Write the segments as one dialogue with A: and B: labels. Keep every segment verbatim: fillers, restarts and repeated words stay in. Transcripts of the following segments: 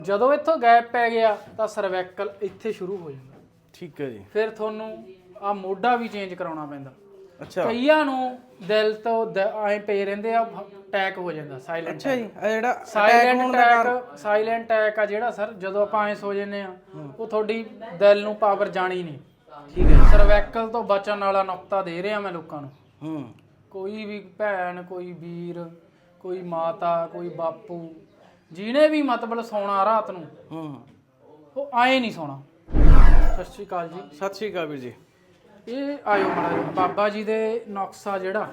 A: ਜਦੋਂ ਇੱਥੋਂ ਗੈਪ ਪੈ ਗਿਆ ਤਾਂ ਸਰਵੈਕਲ ਇੱਥੇ ਸ਼ੁਰੂ ਹੋ ਜਾਂਦਾ।
B: ਠੀਕ ਹੈ ਜੀ।
A: ਫਿਰ ਤੁਹਾਨੂੰ ਆ ਮੋਢਾ ਵੀ ਚੇਂਜ ਕਰਾਉਣਾ ਪੈਂਦਾ।
B: ਅੱਛਾ,
A: ਕਈਆਂ ਨੂੰ ਦਿਲ ਤੋਂ ਐ ਪਏ ਰਹਿੰਦੇ ਆ, ਅਟੈਕ ਹੋ ਜਾਂਦਾ ਸਾਇਲੈਂਟ।
B: ਅੱਛਾ ਜੀ, ਆ ਜਿਹੜਾ
A: ਸਾਇਲੈਂਟ ਅਟੈਕ ਸਾਇਲੈਂਟ ਅਟੈਕ ਆ ਜਿਹੜਾ ਸਰ, ਜਦੋਂ ਆਪਾਂ ਐ ਸੋ ਜੰਨੇ ਆ ਉਹ ਤੁਹਾਡੀ ਦਿਲ ਨੂੰ ਪਾਵਰ ਜਾਣੀ ਨਹੀਂ।
B: ਠੀਕ ਹੈ।
A: ਸਰਵੈਕਲ ਤੋਂ ਬਚਣ ਵਾਲਾ ਨੁਕਤਾ ਦੇ ਰਿਹਾ ਮੈਂ ਲੋਕਾਂ ਨੂੰ।
B: ਹੂੰ,
A: ਕੋਈ ਵੀ ਭੈਣ, ਕੋਈ ਵੀਰ, ਕੋਈ ਮਾਤਾ, ਕੋਈ ਬਾਪੂ, ਜਿਹਨੇ ਵੀ ਮਤਲਬ ਸੌਣਾ ਰਾਤ ਨੂੰ,
B: ਹੂੰ,
A: ਉਹ ਆਏ ਨਹੀਂ ਸੌਣਾ। ਸਤਿ ਸ਼੍ਰੀ ਅਕਾਲ ਜੀ।
B: ਸਤਿ ਸ਼੍ਰੀ ਅਕਾਲ ਵੀਰ ਜੀ।
A: ਇਹ ਆਇਓ ਮਾੜਾ ਬਾਬਾ ਜੀ ਦੇ ਨੁਕਸਾ ਜਿਹੜਾ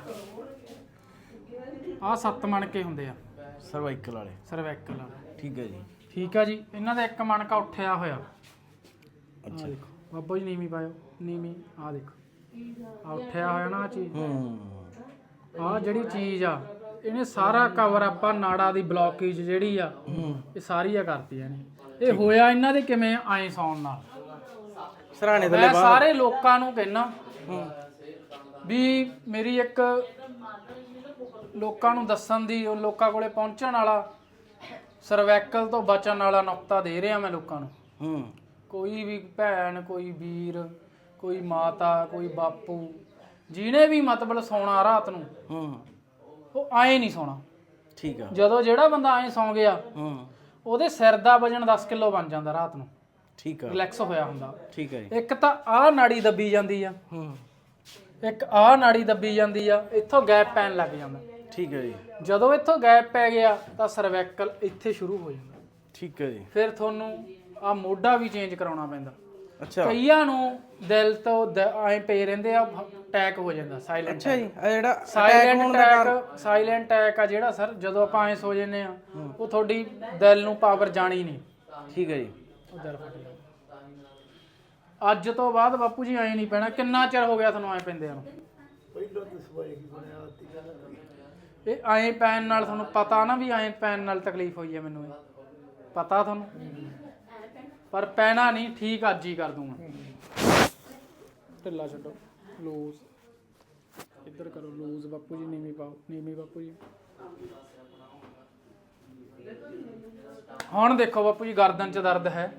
A: ਆਹ ਸੱਤ ਮਣਕੇ ਹੁੰਦੇ ਆ
B: ਸਰਵਾਈਕਲ ਵਾਲੇ।
A: ਸਰਵੈਕਲ ਵਾਲੇ।
B: ਠੀਕ ਹੈ ਜੀ।
A: ਠੀਕ ਆ ਜੀ। ਇਹਨਾਂ ਦਾ ਇੱਕ ਮਣਕਾ ਉੱਠਿਆ ਹੋਇਆ।
B: ਅੱਛਾ,
A: ਦੇਖੋ ਬਾਬਾ ਜੀ ਨੀਵੀਂ ਪਾਇਓ, ਨੀਵੀਂ। ਆਹ ਦੇਖੋ ਆ ਉੱਠਿਆ ਹੋਇਆ ਨਾ ਆ ਚੀਜ਼।
B: ਹੂੰ,
A: ਆਹ ਜਿਹੜੀ ਚੀਜ਼ ਆ ਇਹਨੇ ਸਾਰਾ ਕਵਰ ਆਪਾਂ ਨਾੜਾ ਦੀ ਬਲੌਕੇਜ ਜਿਹੜੀ ਆ ਇਹ ਸਾਰੀਆਂ ਕਰਤੀਆਂ ਨੇ। ਇਹ ਹੋਇਆ ਇਹਨਾਂ ਦੇ ਕਿਵੇਂ ਆਏ ਸੌਣ ਨਾਲ।
B: ਸਰਾਣੇ
A: ਮੈਂ ਸਾਰੇ ਲੋਕਾਂ ਨੂੰ ਕਹਿਣਾ ਵੀ ਮੇਰੀ ਇੱਕ ਲੋਕਾਂ ਨੂੰ ਦੱਸਣ ਦੀ, ਉਹ ਲੋਕਾਂ ਕੋਲੇ ਪਹੁੰਚਣ ਵਾਲਾ, ਸਰਵੈਕਲ ਤੋਂ ਬਚਣ ਵਾਲਾ ਨੁਕਤਾ ਦੇ ਰਿਹਾ ਮੈਂ ਲੋਕਾਂ ਨੂੰ।
B: ਹੂੰ,
A: ਕੋਈ ਵੀ ਭੈਣ, ਕੋਈ ਵੀਰ, ਕੋਈ ਮਾਤਾ, ਕੋਈ ਬਾਪੂ, ਜਿਹਨੇ ਵੀ ਮਤਲਬ ਸੌਣਾ ਰਾਤ ਨੂੰ,
B: ਹੂੰ,
A: ਉਹ ਆਏ ਨਹੀਂ ਸੌਣਾ।
B: ਠੀਕ ਆ।
A: ਜਦੋਂ ਜਿਹੜਾ ਬੰਦਾ ਆਏ ਸੌਂ ਗਿਆ
B: ਹੂੰ,
A: ਉਹਦੇ ਸਿਰ ਦਾ ਵਜਨ ਦਸ ਕਿਲੋ ਬਣ ਜਾਂਦਾ ਰਾਤ ਨੂੰ।
B: ਠੀਕ ਆ।
A: ਰਿਲੈਕਸ ਹੋਇਆ ਹੁੰਦਾ।
B: ਠੀਕ ਹੈ ਜੀ।
A: ਇੱਕ ਤਾਂ ਆਹ ਨਾੜੀ ਦੱਬੀ ਜਾਂਦੀ ਆ,
B: ਹੂੰ,
A: ਇੱਕ ਆਹ ਨਾੜੀ ਦੱਬੀ ਜਾਂਦੀ ਆ, ਇੱਥੋਂ ਗੈਪ ਪੈਣ ਲੱਗ ਜਾਂਦਾ।
B: ਠੀਕ ਹੈ ਜੀ।
A: ਜਦੋਂ ਇੱਥੋਂ ਗੈਪ ਪੈ ਗਿਆ ਤਾਂ ਸਰਵੈਕਲ ਇੱਥੇ ਸ਼ੁਰੂ ਹੋ ਜਾਂਦਾ।
B: ਠੀਕ ਹੈ ਜੀ।
A: ਫਿਰ ਤੁਹਾਨੂੰ ਆ ਮੋਢਾ ਵੀ ਚੇਂਜ ਕਰਾਉਣਾ ਪੈਂਦਾ।
B: ਅੱਛਾ,
A: ਕਈਆਂ ਨੂੰ ਦਿਲ ਤੋਂ ਐ ਪਏ ਰਹਿੰਦੇ ਆ, ਅਟੈਕ ਹੋ ਜਾਂਦਾ ਸਾਇਲੈਂਟ।
B: ਅੱਛਾ ਜੀ, ਆ ਜਿਹੜਾ
A: ਸਾਇਲੈਂਟ ਅਟੈਕ ਸਾਇਲੈਂਟ ਅਟੈਕ ਆ ਜਿਹੜਾ ਸਰ, ਜਦੋਂ ਆਪਾਂ ਐ ਸੋ ਜੰਨੇ ਆ ਉਹ ਤੁਹਾਡੀ ਦਿਲ ਨੂੰ ਪਾਵਰ ਜਾਣੀ ਨਹੀਂ।
B: ਠੀਕ ਹੈ ਜੀ।
A: ਉਹ ਦਿਲ ਫਟ ਗਿਆ। ਅੱਜ ਤੋਂ ਬਾਅਦ ਬਾਪੂ ਜੀ ਐ ਨਹੀਂ ਪੈਣਾ। ਕਿੰਨਾ ਚਿਰ ਹੋ ਗਿਆ ਤੁਹਾਨੂੰ ਐ ਪੈਂਦੇ ਨੂੰ? ਇਹ ਐ ਪੈਣ ਨਾਲ ਤੁਹਾਨੂੰ ਪਤਾ ਨਾ ਵੀ ਐ ਪੈਣ ਨਾਲ ਤਕਲੀਫ ਹੋਈ ਹੈ ਮੈਨੂੰ, ਇਹ ਪਤਾ ਤੁਹਾਨੂੰ, ਪਰ ਪੈਣਾ ਨਹੀਂ। ਠੀਕ ਅੱਜ ਹੀ ਕਰ ਦੂੰਗਾ। ਢਿੱਲਾ ਛੱਡੋ, ਲੂਜ਼ ਇੱਧਰ ਕਰੋ, ਲੂਜ਼ ਬਾਪੂ ਜੀ। ਨੀਵੀਂ ਪਾਓ, ਨੀਵੀਂ ਬਾਪੂ ਜੀ। ਹੁਣ ਦੇਖੋ ਬਾਪੂ ਜੀ, ਗਰਦਨ 'ਚ ਦਰਦ ਹੈ?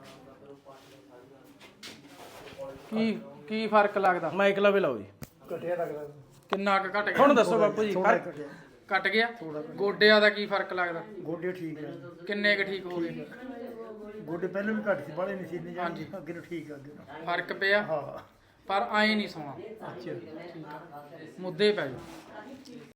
A: ਕੀ ਕੀ ਫਰਕ ਲੱਗਦਾ?
B: ਮਾਈਕ ਲਾ ਵੀ ਲਾਓ ਜੀ।
C: ਘਟਿਆ ਲੱਗਦਾ।
A: ਕਿੰਨਾ ਕੁ ਘਟ ਗਿਆ?
B: ਹੁਣ ਦੱਸੋ ਬਾਪੂ ਜੀ।
C: ਥੋੜਾ ਘਟਿਆ।
A: ਘਟ ਗਿਆ। ਗੋਡਿਆਂ ਦਾ ਕੀ ਫਰਕ ਲੱਗਦਾ?
C: ਗੋਡੇ ਠੀਕ ਹੈ।
A: ਕਿੰਨੇ ਕੁ ਠੀਕ ਹੋ ਗਏ?
C: ਗੋਡੇ ਪਹਿਲਾਂ ਵੀ ਘੱਟ ਸੀ, ਬਾਹਲੇ ਨਹੀਂ ਸੀ ਇੰਨੇ ਜਾਂਦੇ, ਅੱਗੇ ਨੂੰ ਠੀਕ ਆ ਅੱਗੇ ਨੂੰ।
A: ਫਰਕ ਪਿਆ,
C: ਹਾਂ।
A: ਪਰ ਆਏ ਨਹੀਂ ਸੌਣਾ।
C: ਅੱਛਾ।
A: ਠੀਕ ਆ, ਮੁੱਦੇ ਪੈ ਜਾਓ।